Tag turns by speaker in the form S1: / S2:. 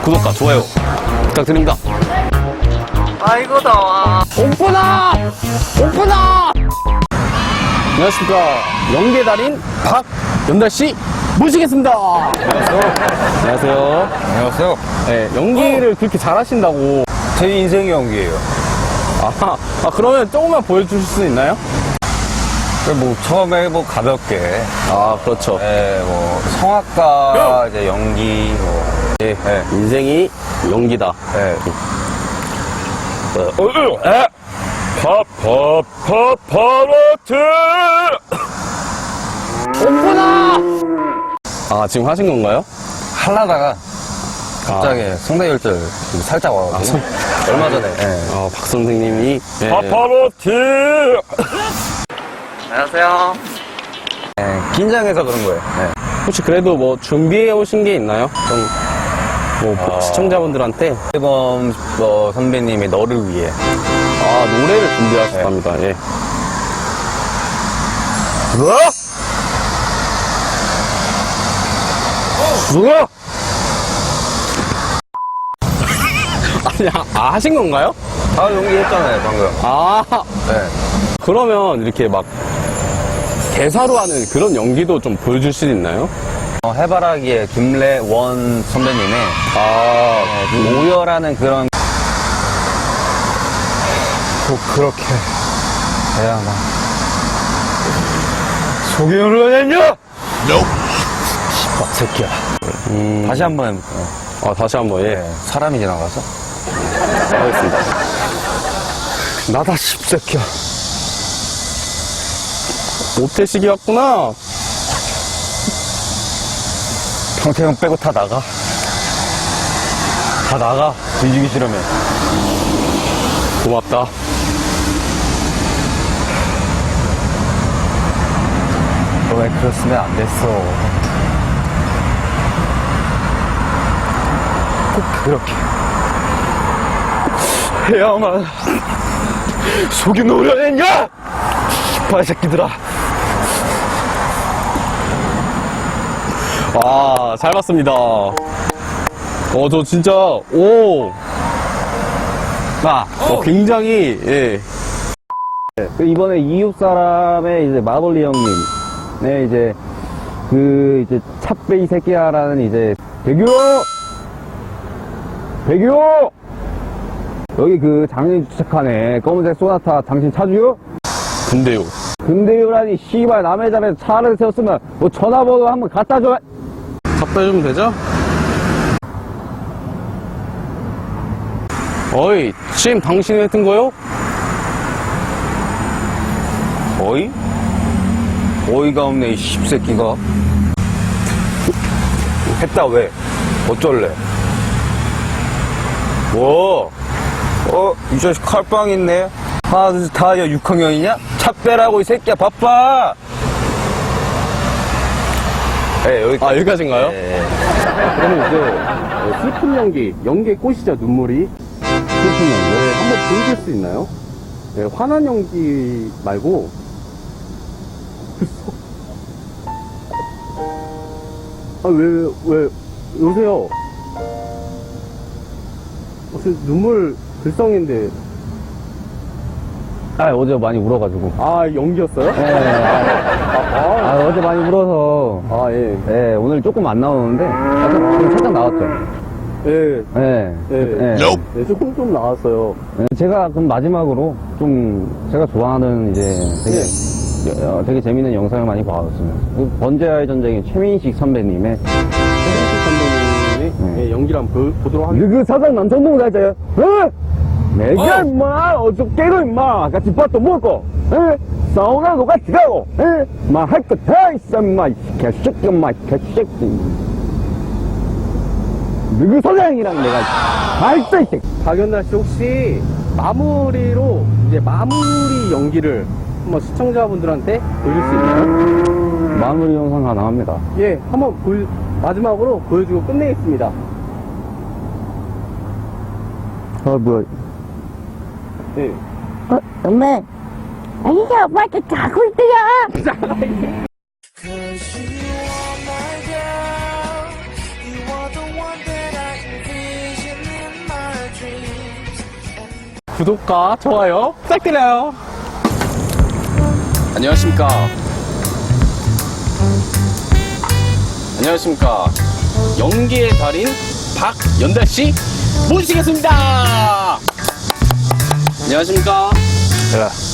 S1: 구독과 좋아요 부탁드립니다.
S2: 아이고 더워.
S1: 오픈아! 오픈아! 안녕하십니까. 연계 달인 박연달씨 모시겠습니다. 안녕하세요.
S3: 안녕하세요.
S1: 네, 연기를 그렇게 잘하신다고.
S3: 제 인생의 연기예요.
S1: 그러면 조금만 보여주실 수 있나요?
S3: 뭐 처음에 뭐 가볍게,
S1: 그렇죠.
S3: 뭐 성악가 이제 연기,
S1: 인생이 연기다.
S3: 파파파파로트.
S1: 오픈아! 지금 하신 건가요?
S3: 하려다가 갑자기 성대결절 살짝 와가지고 얼마 전에.
S1: 박 선생님이.
S3: 파파로트.
S2: 안녕하세요.
S3: 긴장해서 그런 거예요.
S1: 혹시 그래도 뭐 준비해 오신 게 있나요? 시청자분들한테.
S3: 앨범 선배님의 너를 위해.
S1: 노래를 준비하셨답니다. 예.
S3: 뭐? 뭐야?
S1: 아니, 하신 건가요?
S3: 연기했잖아요, 방금.
S1: 그러면 이렇게 막 대사로 하는 그런 연기도 좀 보여줄 수 있나요?
S3: 해바라기의 김래원 선배님의 그 오열하는 그런 꼭 그렇게 해야만 속이 흘러냈냐? 막 새끼야. 다시 한번 해볼까요?
S1: 다시 한번, 예.
S3: 사람이 지나가서
S1: 하겠습니다.
S3: 나다 십새끼야.
S1: 모태식이 왔구나.
S3: 평태형 빼고 다 나가. 다 나가. 뒤지기 싫으면.
S1: 고맙다.
S3: 너 왜 그랬으면 안 됐어. 꼭 그렇게 해야만 속이 노려냈냐? 씨발 새끼들아.
S1: 잘 봤습니다. 저 진짜, 굉장히, 예.
S4: 이번에 이웃 사람의 이제 마블리 형님, 이제 이제 찹베이 새끼야라는 이제 배규 여기 그 장례 주차칸에 검은색 소나타 당신 차주요?
S1: 근데요.
S4: 근데요라니 씨발 남의 집에 차를 세웠으면 뭐 전화번호 한번 갖다 줘.
S1: 갖다 주면 되죠? 어이, 지금 당신이 했던 거요?
S3: 어이? 어이가 없네, 이 씹새끼가. 했다, 왜? 어쩔래? 뭐? 이 자식 칼빵 있네? 하나, 둘, 셋, 다 6학년이냐? 차 빼라고, 이 새끼야, 바빠! 여기까지.
S1: 여기까지인가요? 그러면 이제, 슬픈 연기의 꽃이죠, 눈물이. 슬픈 연기. 한번 보여줄 수 있나요? 화난 연기 말고, 왜, 여보세요? 무슨 눈물 글썽인데.
S4: 어제 많이 울어가지고.
S1: 연기였어요?
S4: 어제 많이 울어서.
S1: 예.
S4: 오늘 조금 안 나오는데 살짝 나왔죠.
S1: 조금 좀 나왔어요.
S4: 제가 그럼 마지막으로 좀 제가 좋아하는 이제 되게 재밌는 영상을 많이 봐왔어요. 번제와의 전쟁의 최민식 선배님의
S1: 연기를 한번 보도록 하겠습니다.
S4: 그 사장 남천동 살자요? 내가 임마 어저께도 임마 같이 밥도 먹고 사우나도 같이 가고 할 거 다 있어 임마 개새끼 임마 개새끼. 누구 사장이랑 내가 다 있어 이 새끼.
S1: 박연달 씨 혹시 마무리 연기를 한번 시청자분들한테 보여줄 수 있나요?
S4: 마무리 영상 가능합니다.
S1: 예, 한번 마지막으로 보여주고 끝내겠습니다.
S4: 뭐야.
S1: 네.
S5: 엄마, 아니야, 오빠한테 자고 있대요.
S6: Cause you are my girl, you are the one that I envision.
S1: 구독과 좋아요 부탁드려요. 안녕하십니까. 안녕하십니까. 연기의 달인 박연달씨 모시겠습니다. 안녕하십니까.
S3: 야,